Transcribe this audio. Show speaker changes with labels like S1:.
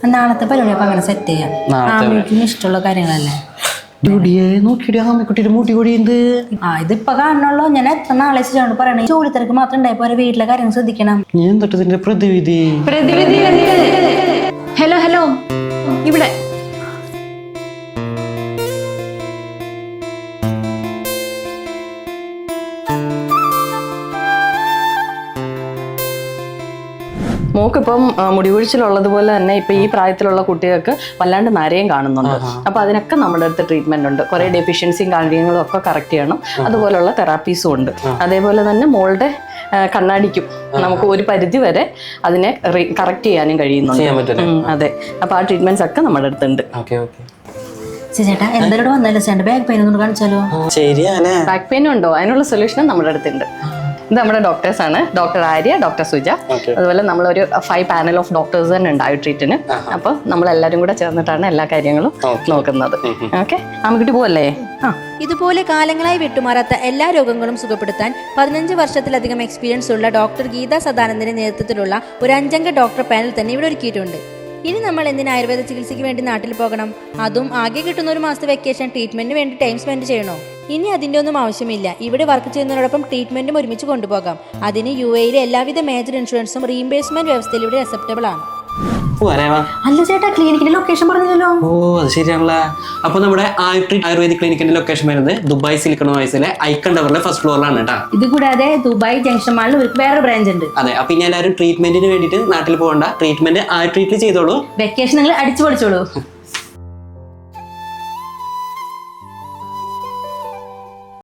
S1: നാളത്തെ പരിപാടി അപ്പൊ അങ്ങനെ സെറ്റ് ചെയ്യാം. ആമിക്കും ഇഷ്ടമുള്ള കാര്യങ്ങളല്ലേ. ഇതിപ്പോ കാണണല്ലോ. ഞാൻ എത്ര നാളെ വെച്ചിട്ടാണ് പറയണേ. ജോലി തിരക്ക് മാത്രം ഉണ്ടായപ്പോ വീട്ടിലെ കാര്യങ്ങൾ ശ്രദ്ധിക്കണം.
S2: ഹലോ ഹലോ, ഇവിടെ മോക്കിപ്പം മുടികൊഴിച്ചിലുള്ളതുപോലെ തന്നെ ഇപ്പം ഈ പ്രായത്തിലുള്ള കുട്ടികൾക്ക് വല്ലാണ്ട് നരയും കാണുന്നുണ്ട്. അപ്പോൾ അതിനൊക്കെ നമ്മുടെ അടുത്ത് ട്രീറ്റ്മെന്റ് ഉണ്ട്. കുറേ ഡെഫിഷ്യൻസിയും കാര്യങ്ങളും ഒക്കെ കറക്റ്റ് ചെയ്യണം. അതുപോലുള്ള തെറാപ്പീസും ഉണ്ട്. അതേപോലെ തന്നെ മോളുടെ കണ്ണാടിക്കും നമുക്ക് ഒരു പരിധി വരെ അതിനെ കറക്റ്റ് ചെയ്യാനും കഴിയുന്നുണ്ട്. അതെ, അപ്പോൾ ആ ട്രീറ്റ്മെന്റ്സ് ഒക്കെ നമ്മുടെ അടുത്തുണ്ട്.
S1: ചേട്ടാ എന്തായാലും വന്നല്ലോ ചേട്ടൻ ബാക്ക് പെയിൻ ഒന്നും കാണിച്ചാലോ?
S2: ബാക്ക് പെയിനും ഉണ്ടോ? അതിനുള്ള സൊല്യൂഷനും നമ്മുടെ അടുത്തുണ്ട്. ഇത് നമ്മുടെ ഡോക്ടേഴ്സ് ആണ്, ഡോക്ടർ ആര്യ, ഡോക്ടർ സുജ. അതുപോലെ നമ്മളൊരു 5 പാനൽ ഓഫ് ഡോക്ടേഴ്സ് തന്നെ ഉണ്ട് ട്രീറ്റിന്. അപ്പൊ നമ്മളെല്ലാരും കൂടെ ചേർന്നിട്ടാണ് എല്ലാ കാര്യങ്ങളും നോക്കുന്നത്. ഓക്കെ, ആമക്കുട്ടി പോവല്ലേ?
S3: ഇതുപോലെ കാലങ്ങളായി വിട്ടുമാറാത്ത എല്ലാ രോഗങ്ങളും സുഖപ്പെടുത്താൻ 15 വർഷത്തിലധികം എക്സ്പീരിയൻസ് ഉള്ള ഡോക്ടർ ഗീത സദാനന്ദന്റെ നേതൃത്വത്തിലുള്ള ഒരു 5 ഡോക്ടർ പാനൽ തന്നെ ഇവിടെ ഒരുക്കിയിട്ടുണ്ട്. ഇനി നമ്മൾ എന്തിന് ആയുർവേദ ചികിത്സയ്ക്ക് വേണ്ടി നാട്ടിൽ പോകണം? അതും ആകെ കിട്ടുന്ന ഒരു മാസത്തെ വെക്കേഷൻ ട്രീറ്റ്മെന്റിന് വേണ്ടി ടൈം സ്പെൻഡ് ചെയ്യണോ? ഇനി അതിന്റെ ഒന്നും ആവശ്യമില്ല. ഇവിടെ വർക്ക് ചെയ്യുന്നതിനോടൊപ്പം ട്രീറ്റ്മെന്റും ഒരുമിച്ച് കൊണ്ടുപോകാം. അതിന് UAE എല്ലാവിധ മേജർ ഇൻഷുറൻസും റീഇംബേഴ്സ്മെന്റ് വ്യവസ്ഥയിൽ ഇവിടെ അക്സെപ്റ്റബിൾ ആണ്.
S1: അല്ല ചേട്ടാ, ക്ലിനിക്കിന്റെ ലൊക്കേഷൻ പറഞ്ഞല്ലോ.
S4: ഓ, അത് ശരിയാണല്ലേ. അപ്പൊ നമ്മുടെ ആയുർവേദിക് ക്ലിനിക്കിന്റെ ലൊക്കേഷൻ വരുന്നത് ദുബായ് സിലിക്കൺ ഓയസിലെ ഐക്കൺ ടവറിലെ ഫസ്റ്റ് ഫ്ലോറിലാണ് കേട്ടോ.
S1: ഇത് കൂടാതെ ദുബായ് ജംഗ്ഷൻ മാളിൽ ഒരു വേറെ ബ്രാഞ്ച് ഉണ്ട്.
S4: അതെ, അപ്പൊ ഇനി എല്ലാവരും ട്രീറ്റ്മെന്റിന് വേണ്ടിയിട്ട് നാട്ടിൽ പോകണ്ട. ട്രീറ്റ്മെന്റ് ട്രീറ്റ് ചെയ്തോളൂ.
S1: വെക്കേഷൻ നിങ്ങൾ അടിച്ചു പൊളിച്ചോളൂ.